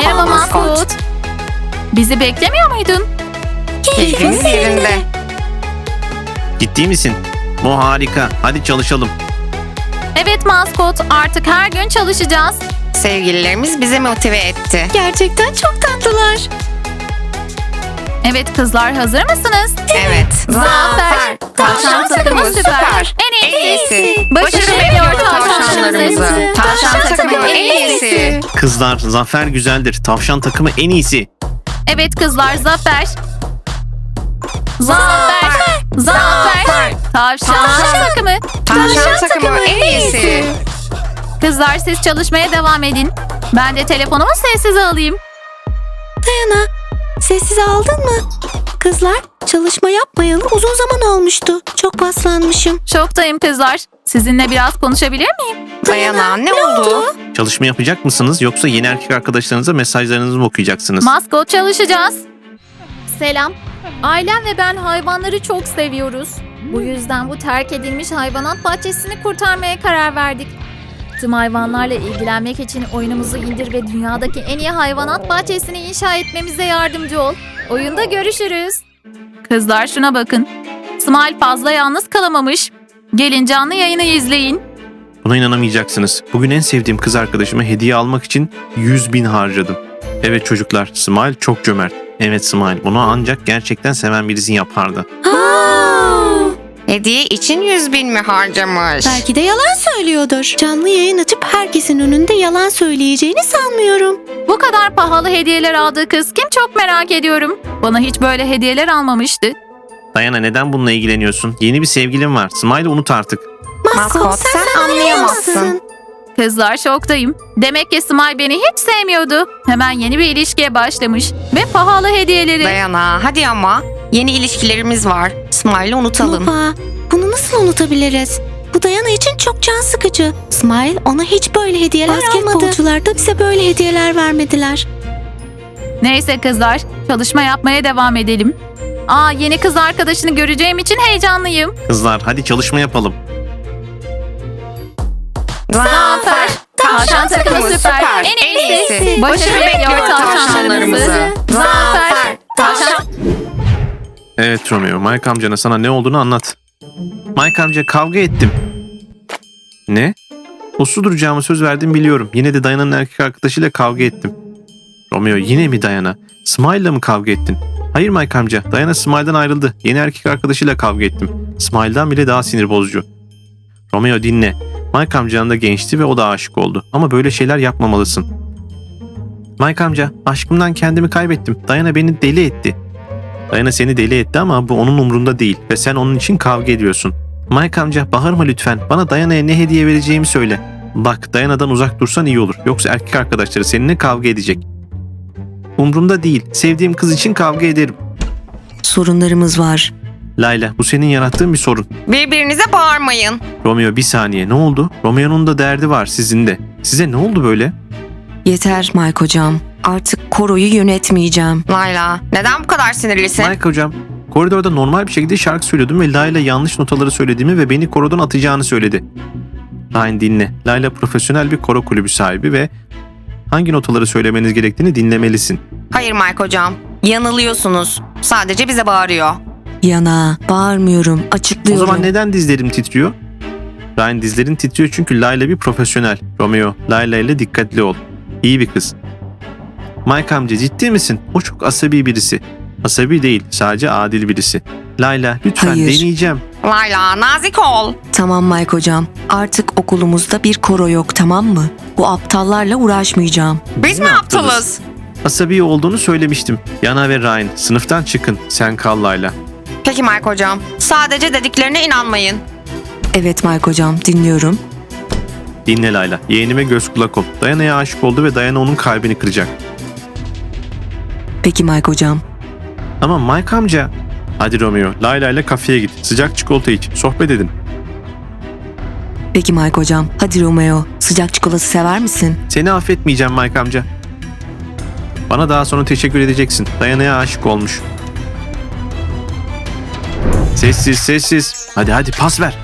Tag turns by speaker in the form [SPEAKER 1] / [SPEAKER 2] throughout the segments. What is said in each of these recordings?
[SPEAKER 1] Merhaba maskot. Bizi beklemiyor muydun?
[SPEAKER 2] Keyfimiz yerinde.
[SPEAKER 3] Ciddi misin? Bu harika. Hadi çalışalım.
[SPEAKER 1] Evet maskot, artık her gün çalışacağız.
[SPEAKER 2] Sevgililerimiz bizi motive etti.
[SPEAKER 4] Gerçekten çok tatlılar.
[SPEAKER 1] Evet kızlar, hazır mısınız?
[SPEAKER 2] Evet.
[SPEAKER 1] Zafer. Tavşan takımı süper. En iyisi. Başarı bekliyor tavşanlarımızı.
[SPEAKER 2] Tavşan takımı en iyisi.
[SPEAKER 3] Kızlar, zafer güzeldir. Tavşan takımı en iyisi.
[SPEAKER 1] Evet kızlar, zafer. Zafer. Zafer. Tavşan takımı.
[SPEAKER 2] Tavşan takımı en iyisi.
[SPEAKER 1] Kızlar siz çalışmaya devam edin. Ben de telefonumu sessize alayım.
[SPEAKER 4] Dayana, sessiz aldın mı? Kızlar, çalışma yapmayalı uzun zaman olmuştu. Çok paslanmışım.
[SPEAKER 1] Şoktayım kızlar. Sizinle biraz konuşabilir miyim?
[SPEAKER 2] Dayana, ne oldu?
[SPEAKER 3] Çalışma yapacak mısınız yoksa yeni erkek arkadaşlarınıza mesajlarınızı mı okuyacaksınız?
[SPEAKER 1] Maskot çalışacağız. Selam. Ailem ve ben hayvanları çok seviyoruz. Bu yüzden bu terk edilmiş hayvanat bahçesini kurtarmaya karar verdik. Tüm hayvanlarla ilgilenmek için oyunumuzu indir ve dünyadaki en iyi hayvanat bahçesini inşa etmemize yardımcı ol. Oyunda görüşürüz. Kızlar şuna bakın. Smile fazla yalnız kalamamış. Gelin canlı yayını izleyin.
[SPEAKER 3] Buna inanamayacaksınız. Bugün en sevdiğim kız arkadaşıma hediye almak için 100.000 harcadım. Evet çocuklar, Smile çok cömert. Evet Smile, bunu ancak gerçekten seven birisi yapardı.
[SPEAKER 2] Hediye için 100.000 mi harcamış?
[SPEAKER 4] Belki de yalan söylüyordur. Canlı yayın açıp herkesin önünde yalan söyleyeceğini sanmıyorum.
[SPEAKER 1] Bu kadar pahalı hediyeler aldığı kız kim çok merak ediyorum. Bana hiç böyle hediyeler almamıştı.
[SPEAKER 3] Dayana, neden bununla ilgileniyorsun? Yeni bir sevgilin var. Smile'ı unut artık.
[SPEAKER 2] Maskot, sen anlayamazsın.
[SPEAKER 1] Kızlar şoktayım. Demek ki Smile beni hiç sevmiyordu. Hemen yeni bir ilişkiye başlamış. Ve pahalı hediyeleri.
[SPEAKER 2] Dayana, hadi ama. Yeni ilişkilerimiz var. Smile'ı unutalım.
[SPEAKER 4] Baba, bunu nasıl unutabiliriz? Bu Dayana için çok can sıkıcı. Smile ona hiç böyle hediyeler almadı. Basketbolcular da bize böyle hediyeler vermediler.
[SPEAKER 1] Neyse kızlar, çalışma yapmaya devam edelim. Yeni kız arkadaşını göreceğim için heyecanlıyım.
[SPEAKER 3] Kızlar, hadi çalışma yapalım.
[SPEAKER 1] Zafer. Tavşan takımı süper. En iyisi. Başarı bekliyor tavşanlarımızı. Zafer. Tavşan.
[SPEAKER 3] Evet Romeo, Mike amcana sana ne olduğunu anlat. Mike amca, kavga ettim. Ne? Uslu duracağımı söz verdim biliyorum. Yine de Dayana'nın erkek arkadaşıyla kavga ettim. Romeo, yine mi Dayana? Smile'la mı kavga ettin? Hayır Mike amca, Dayana Smile'dan ayrıldı. Yeni erkek arkadaşıyla kavga ettim. Smile'dan bile daha sinir bozucu. Romeo dinle. Mike amcanın da gençti ve o da aşık oldu. Ama böyle şeyler yapmamalısın. Mike amca, aşkımdan kendimi kaybettim. Dayana beni deli etti. Dayana seni deli etti ama bu onun umrunda değil ve sen onun için kavga ediyorsun. Mike amca, bağırma lütfen. Bana Dayana'ya ne hediye vereceğimi söyle. Bak, Dayana'dan uzak dursan iyi olur. Yoksa erkek arkadaşları seninle kavga edecek. Umrumda değil. Sevdiğim kız için kavga ederim.
[SPEAKER 4] Sorunlarımız var.
[SPEAKER 3] Layla, bu senin yarattığın bir sorun.
[SPEAKER 2] Birbirinize bağırmayın.
[SPEAKER 3] Romeo, bir saniye, ne oldu? Romeo'nun da derdi var, sizin de. Size ne oldu böyle?
[SPEAKER 4] Yeter Mike hocam. Artık koroyu yönetmeyeceğim.
[SPEAKER 2] Layla, neden bu kadar sinirlisin?
[SPEAKER 3] Mike hocam, koridorda normal bir şekilde şarkı söylüyordum ve Layla yanlış notaları söylediğimi ve beni korodan atacağını söyledi. Ryan dinle. Layla profesyonel bir koro kulübü sahibi ve hangi notaları söylemeniz gerektiğini dinlemelisin.
[SPEAKER 2] Hayır Mike hocam, yanılıyorsunuz. Sadece bize bağırıyor.
[SPEAKER 4] Yana, bağırmıyorum, açıklıyorum.
[SPEAKER 3] O zaman neden dizlerim titriyor? Ryan, dizlerin titriyor çünkü Layla bir profesyonel. Romeo, Layla ile dikkatli ol. İyi bir kız. Mike amca, ciddi misin? O çok asabi birisi. Asabi değil, sadece adil birisi. Layla, lütfen
[SPEAKER 4] Hayır.
[SPEAKER 3] deneyeceğim.
[SPEAKER 2] Layla, nazik ol.
[SPEAKER 4] Tamam Mike hocam. Artık okulumuzda bir koro yok, tamam mı? Bu aptallarla uğraşmayacağım.
[SPEAKER 2] Biz mi aptalız?
[SPEAKER 3] Asabi olduğunu söylemiştim. Yana ve Ryan, sınıftan çıkın. Sen kal Layla.
[SPEAKER 2] Peki Mike hocam, sadece dediklerine inanmayın.
[SPEAKER 4] Evet Mike hocam, dinliyorum.
[SPEAKER 3] Dinle Layla. Yeğenime göz kulak ol. Dayana'ya aşık oldu ve Dayana onun kalbini kıracak.
[SPEAKER 4] Peki Mike hocam.
[SPEAKER 3] Ama Mike amca... Hadi Romeo, Layla ile kafeye git. Sıcak çikolata iç. Sohbet edin.
[SPEAKER 4] Peki Mike hocam. Hadi Romeo, sıcak çikolata sever misin?
[SPEAKER 3] Seni affetmeyeceğim Mike amca. Bana daha sonra teşekkür edeceksin. Dayana'ya aşık olmuş. Sessiz sessiz. Hadi pas ver.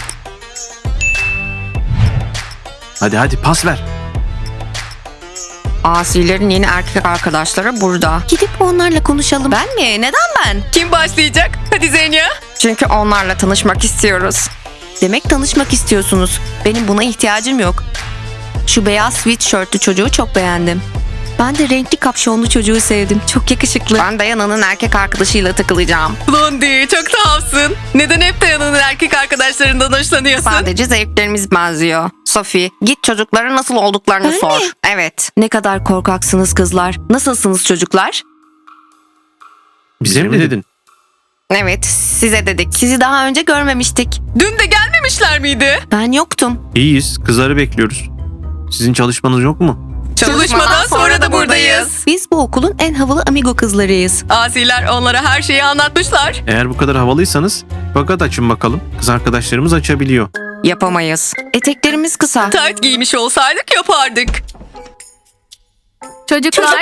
[SPEAKER 3] Hadi pas ver.
[SPEAKER 2] Asilerin yeni erkek arkadaşları burada.
[SPEAKER 4] Gidip onlarla konuşalım.
[SPEAKER 2] Ben mi? Neden ben? Kim başlayacak? Hadi Zenya. Çünkü onlarla tanışmak istiyoruz.
[SPEAKER 4] Demek tanışmak istiyorsunuz. Benim buna ihtiyacım yok. Şu beyaz sweatshirtlü çocuğu çok beğendim. Ben de renkli kapşonlu çocuğu sevdim. Çok yakışıklı.
[SPEAKER 2] Ben Dayana'nın erkek arkadaşıyla takılacağım.
[SPEAKER 5] Blondie çok tuhafsın. Neden hep Dayana'nın erkek arkadaşlarından hoşlanıyorsun?
[SPEAKER 2] Sadece zevklerimiz benziyor. Sophie, git çocuklara nasıl olduklarını
[SPEAKER 4] Ben
[SPEAKER 2] sor.
[SPEAKER 4] mi?
[SPEAKER 2] Evet.
[SPEAKER 4] Ne kadar korkaksınız kızlar. Nasılsınız çocuklar?
[SPEAKER 3] Bize mi dedin?
[SPEAKER 2] Evet, size dedik.
[SPEAKER 4] Sizi daha önce görmemiştik.
[SPEAKER 5] Dün de gelmemişler miydi?
[SPEAKER 4] Ben yoktum.
[SPEAKER 3] İyiyiz. Kızları bekliyoruz. Sizin çalışmanız yok mu?
[SPEAKER 5] Çalışmadan sonra da buradayız.
[SPEAKER 4] Biz bu okulun en havalı amigo kızlarıyız.
[SPEAKER 5] Asiler onlara her şeyi anlatmışlar.
[SPEAKER 3] Eğer bu kadar havalıysanız fakat açın bakalım. Kız arkadaşlarımız açabiliyor.
[SPEAKER 2] Yapamayız.
[SPEAKER 4] Eteklerimiz kısa.
[SPEAKER 5] Tight giymiş olsaydık yapardık.
[SPEAKER 1] Çocuklar.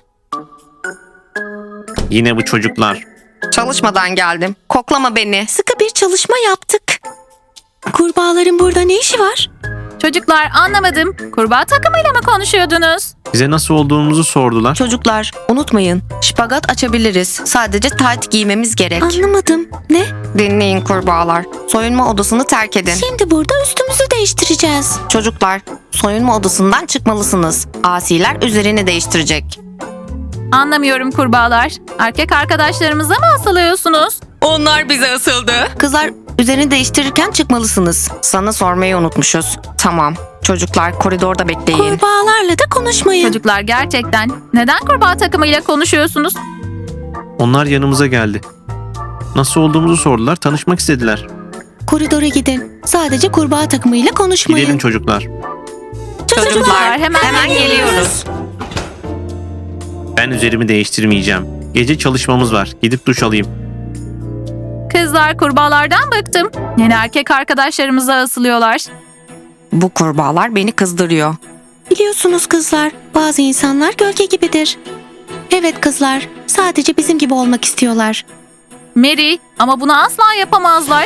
[SPEAKER 3] Yine bu çocuklar.
[SPEAKER 2] Çalışmadan geldim. Koklama beni.
[SPEAKER 4] Sıkı bir çalışma yaptık. Kurbağaların burada ne işi var?
[SPEAKER 1] Çocuklar anlamadım. Kurbağa takımıyla mı konuşuyordunuz?
[SPEAKER 3] Bize nasıl olduğumuzu sordular.
[SPEAKER 4] Çocuklar unutmayın. Şpagat açabiliriz. Sadece tight giymemiz gerek. Anlamadım. Ne?
[SPEAKER 2] Dinleyin kurbağalar. Soyunma odasını terk edin.
[SPEAKER 4] Şimdi burada üstümüzü değiştireceğiz.
[SPEAKER 2] Çocuklar, soyunma odasından çıkmalısınız. Asiler üzerini değiştirecek.
[SPEAKER 1] Anlamıyorum kurbağalar. Erkek arkadaşlarımıza mı asılıyorsunuz?
[SPEAKER 5] Onlar bize asıldı.
[SPEAKER 4] Kızlar üzerini değiştirirken çıkmalısınız.
[SPEAKER 2] Sana sormayı unutmuşuz. Tamam. Çocuklar koridorda bekleyin.
[SPEAKER 4] Kurbağalarla da konuşmayın.
[SPEAKER 1] Çocuklar gerçekten neden kurbağa takımıyla konuşuyorsunuz?
[SPEAKER 3] Onlar yanımıza geldi. Nasıl olduğumuzu sordular. Tanışmak istediler.
[SPEAKER 4] Koridora gidin. Sadece kurbağa takımıyla konuşmayın.
[SPEAKER 3] Gidelim çocuklar.
[SPEAKER 1] Çocuklar hemen
[SPEAKER 2] geliyoruz.
[SPEAKER 3] Ben üzerimi değiştirmeyeceğim. Gece çalışmamız var. Gidip duş alayım.
[SPEAKER 1] Kızlar kurbağalardan bıktım. Yeni erkek arkadaşlarımıza asılıyorlar.
[SPEAKER 2] Bu kurbağalar beni kızdırıyor.
[SPEAKER 4] Biliyorsunuz kızlar, bazı insanlar gölge gibidir. Evet kızlar, sadece bizim gibi olmak istiyorlar.
[SPEAKER 1] Mary ama bunu asla yapamazlar.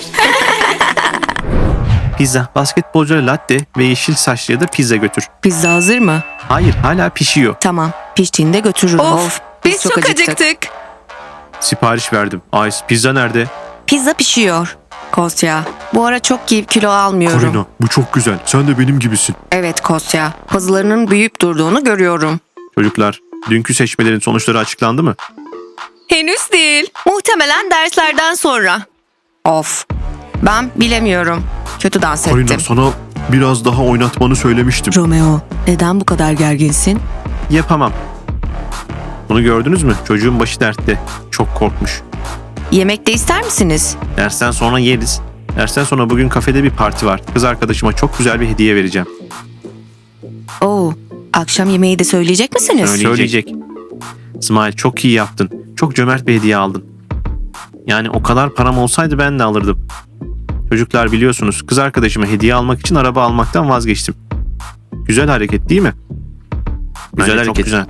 [SPEAKER 3] Pizza, basketbolcuya latte ve yeşil saçlıya da pizza götür.
[SPEAKER 4] Pizza hazır mı?
[SPEAKER 3] Hayır, hala pişiyor.
[SPEAKER 4] Tamam, piştiğinde götürürüm.
[SPEAKER 5] Of, biz çok acıktık.
[SPEAKER 3] Sipariş verdim. Ice, pizza nerede?
[SPEAKER 4] Pizza pişiyor. Kostya, bu ara çok kilo almıyorum.
[SPEAKER 3] Karina, bu çok güzel. Sen de benim gibisin.
[SPEAKER 2] Evet Kostya, pazılarının büyüyüp durduğunu görüyorum.
[SPEAKER 3] Çocuklar, dünkü seçmelerin sonuçları açıklandı mı?
[SPEAKER 5] Henüz değil.
[SPEAKER 4] Muhtemelen derslerden sonra.
[SPEAKER 2] Of, ben bilemiyorum. Kötü dans ettim.
[SPEAKER 3] sana biraz daha oynatmanı söylemiştim.
[SPEAKER 4] Romeo, neden bu kadar gerginsin?
[SPEAKER 3] Yapamam. Bunu gördünüz mü? Çocuğun başı dertte. Çok korkmuş.
[SPEAKER 2] Yemek de ister misiniz?
[SPEAKER 3] Dersten sonra yeriz. Dersten sonra bugün kafede bir parti var. Kız arkadaşıma çok güzel bir hediye vereceğim.
[SPEAKER 4] Oo, akşam yemeği de söyleyecek misiniz?
[SPEAKER 3] Söyleyecek. İsmail çok iyi yaptın. Çok cömert bir hediye aldın. Yani o kadar param olsaydı ben de alırdım. Çocuklar biliyorsunuz kız arkadaşıma hediye almak için araba almaktan vazgeçtim. Güzel hareket değil mi? Güzel hareket. Çok güzel.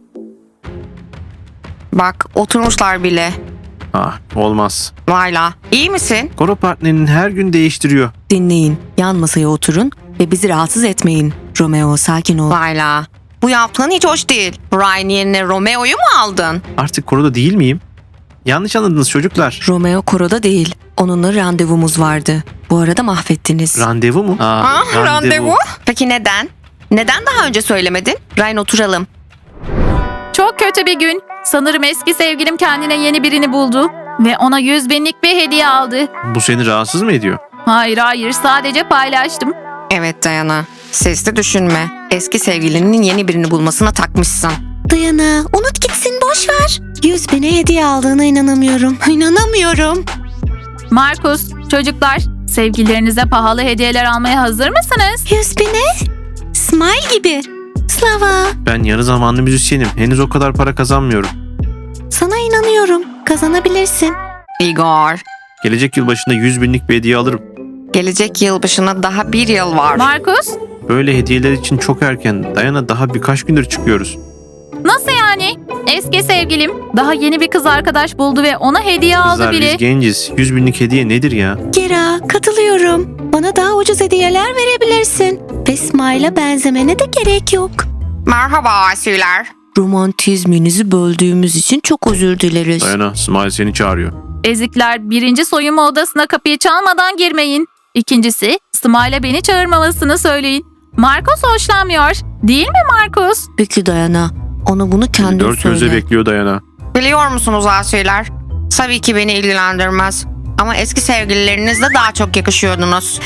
[SPEAKER 2] Bak, oturmuşlar bile.
[SPEAKER 3] Ah, olmaz.
[SPEAKER 2] Layla, iyi misin?
[SPEAKER 3] Koro partnerini her gün değiştiriyor.
[SPEAKER 4] Dinleyin, yan masaya oturun ve bizi rahatsız etmeyin. Romeo, sakin ol.
[SPEAKER 2] Layla, bu yaptığın hiç hoş değil. Ryan yerine Romeo'yu mu aldın?
[SPEAKER 3] Artık koroda değil miyim? Yanlış anladınız çocuklar.
[SPEAKER 4] Romeo koroda değil. Onunla randevumuz vardı. Bu arada mahvettiniz.
[SPEAKER 3] Randevu mu?
[SPEAKER 2] Randevu? Peki neden? Neden daha önce söylemedin?
[SPEAKER 4] Ryan oturalım.
[SPEAKER 1] Çok kötü bir gün. Sanırım eski sevgilim kendine yeni birini buldu. Ve ona 100.000'lik bir hediye aldı.
[SPEAKER 3] Bu seni rahatsız mı ediyor?
[SPEAKER 1] Hayır sadece paylaştım.
[SPEAKER 2] Evet Dayana, sesli düşünme. Eski sevgilinin yeni birini bulmasına takmışsın.
[SPEAKER 4] Dayana, unut gitsin, boş ver. 100.000'e hediye aldığına inanamıyorum. İnanamıyorum.
[SPEAKER 1] Markus, çocuklar sevgililerinize pahalı hediyeler almaya hazır mısınız?
[SPEAKER 4] 100.000'e? Smile gibi. Slava,
[SPEAKER 3] Ben yarı zamanlı müzisyenim. Henüz o kadar para kazanmıyorum.
[SPEAKER 4] sana inanıyorum. Kazanabilirsin.
[SPEAKER 2] Igor,
[SPEAKER 3] Gelecek yıl başında 100.000'lik bir hediye alırım.
[SPEAKER 2] gelecek yılbaşına daha bir yıl var.
[SPEAKER 1] Markus,
[SPEAKER 3] Böyle hediyeler için çok erken. Dayana daha birkaç gündür çıkıyoruz.
[SPEAKER 1] nasıl yani? Eski sevgilim daha yeni bir kız arkadaş buldu ve ona hediye aldı
[SPEAKER 3] Kızlar
[SPEAKER 1] bile.
[SPEAKER 3] biz genciz. 100.000'lik hediye nedir ya?
[SPEAKER 4] Gera, katılıyorum. Bana daha ucuz hediyeler verebilirsin. Ve Smile'a benzemene de gerek yok.
[SPEAKER 2] Merhaba asiler.
[SPEAKER 4] Romantizminizi böldüğümüz için çok özür dileriz.
[SPEAKER 3] Dayana, Smile seni çağırıyor.
[SPEAKER 1] Ezikler, birinci soyunma odasına kapıyı çalmadan girmeyin. İkincisi, Smile'a beni çağırmamasını söyleyin. Marcos hoşlanmıyor. Değil mi Marcos?
[SPEAKER 4] Peki Dayana. Ona bunu kendin
[SPEAKER 3] Dört gözle
[SPEAKER 4] söyle.
[SPEAKER 3] bekliyor Dayana.
[SPEAKER 2] Biliyor musunuz asiler? Tabii ki beni ilgilendirmez. Ama eski sevgililerinizle daha çok yakışıyordunuz.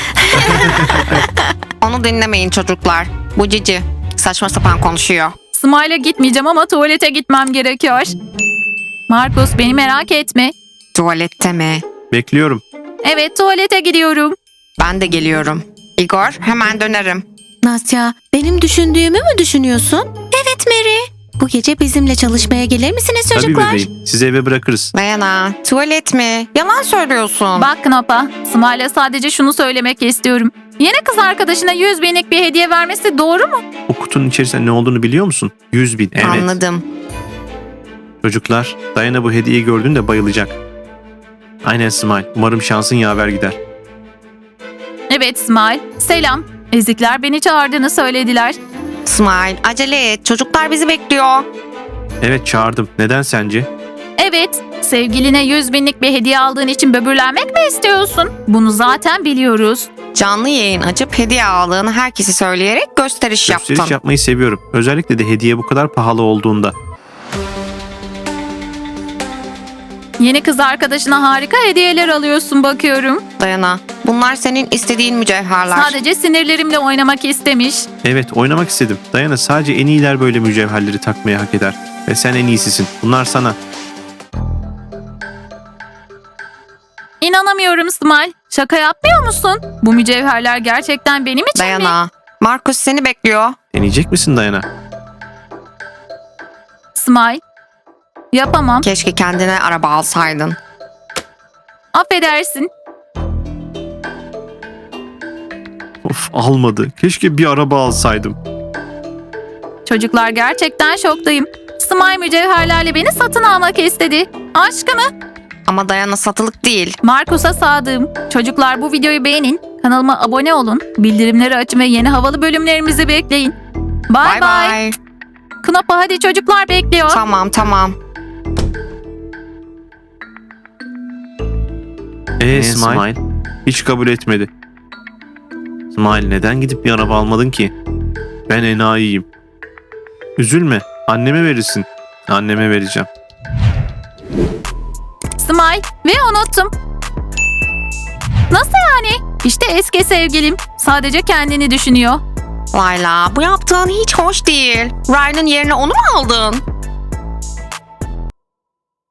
[SPEAKER 2] Onu dinlemeyin çocuklar. Bu cici. Saçma sapan konuşuyor.
[SPEAKER 1] Smile'a gitmeyeceğim ama tuvalete gitmem gerekiyor. Marcos, beni merak etme.
[SPEAKER 2] Tuvalette mi?
[SPEAKER 3] Bekliyorum.
[SPEAKER 1] Evet, tuvalete gidiyorum.
[SPEAKER 2] Ben de geliyorum. Igor, hemen dönerim.
[SPEAKER 4] Nasya, benim düşündüğümü mü düşünüyorsun? Evet Mary. Bu gece bizimle çalışmaya gelir misiniz
[SPEAKER 3] Tabii
[SPEAKER 4] çocuklar?
[SPEAKER 3] bebeğim. Sizi eve bırakırız.
[SPEAKER 2] Dayana, tuvalet mi? Yalan söylüyorsun.
[SPEAKER 1] Bak Knapa, Smile'a sadece şunu söylemek istiyorum. Yeni kız arkadaşına 100 binlik bir hediye vermesi doğru mu?
[SPEAKER 3] O kutunun içerisinde ne olduğunu biliyor musun? 100.000. Evet.
[SPEAKER 2] Anladım.
[SPEAKER 3] Çocuklar, Dayana bu hediyeyi gördüğünde bayılacak. Aynen Smile. Umarım şansın yaver gider.
[SPEAKER 1] Evet Smile, selam. Ezikler beni çağırdığını söylediler.
[SPEAKER 2] Smile, acele et. Çocuklar bizi bekliyor.
[SPEAKER 3] Evet çağırdım. Neden sence?
[SPEAKER 1] Evet, sevgiline 100 binlik bir hediye aldığın için böbürlenmek mi istiyorsun? Bunu zaten biliyoruz.
[SPEAKER 2] Canlı yayın açıp hediye aldığını herkese söyleyerek gösteriş
[SPEAKER 3] Gösteriş
[SPEAKER 2] yaptın.
[SPEAKER 3] yapmayı seviyorum. Özellikle de hediye bu kadar pahalı olduğunda.
[SPEAKER 1] Yeni kız arkadaşına harika hediyeler alıyorsun bakıyorum.
[SPEAKER 2] Dayana, bunlar senin istediğin mücevherler.
[SPEAKER 1] Sadece sinirlerimle oynamak istemiş.
[SPEAKER 3] Evet oynamak istedim. Dayana sadece en iyiler böyle mücevherleri takmaya hak eder. Ve sen en iyisisin. Bunlar sana.
[SPEAKER 1] İnanamıyorum Smile. Şaka yapmıyor musun? Bu mücevherler gerçekten benim için mi?
[SPEAKER 2] Dayana, Markus seni bekliyor.
[SPEAKER 3] Deneyecek misin Dayana?
[SPEAKER 1] Smile. Yapamam.
[SPEAKER 2] Keşke kendine araba alsaydın.
[SPEAKER 1] Affedersin.
[SPEAKER 3] Of almadı. Keşke bir araba alsaydım.
[SPEAKER 1] Çocuklar gerçekten şoktayım. Smile mücevherlerle beni satın almak istedi. Aşkını.
[SPEAKER 2] Ama Dayana satılık değil.
[SPEAKER 1] Markus'a sadığım. Çocuklar bu videoyu beğenin. Kanalıma abone olun. Bildirimleri açın ve yeni havalı bölümlerimizi bekleyin. Bye
[SPEAKER 2] Bye
[SPEAKER 1] bye.
[SPEAKER 2] bye.
[SPEAKER 1] Knapa hadi çocuklar bekliyor.
[SPEAKER 2] Tamam.
[SPEAKER 3] Smile? Hiç kabul etmedi. Smile neden gidip bir araba almadın ki? Ben enayiyim. Üzülme. Anneme verirsin. Anneme vereceğim.
[SPEAKER 1] Smile ve unuttum. Nasıl yani? İşte eski sevgilim. Sadece kendini düşünüyor.
[SPEAKER 2] Layla, bu yaptığın hiç hoş değil. Ryan'ın yerine onu mu aldın?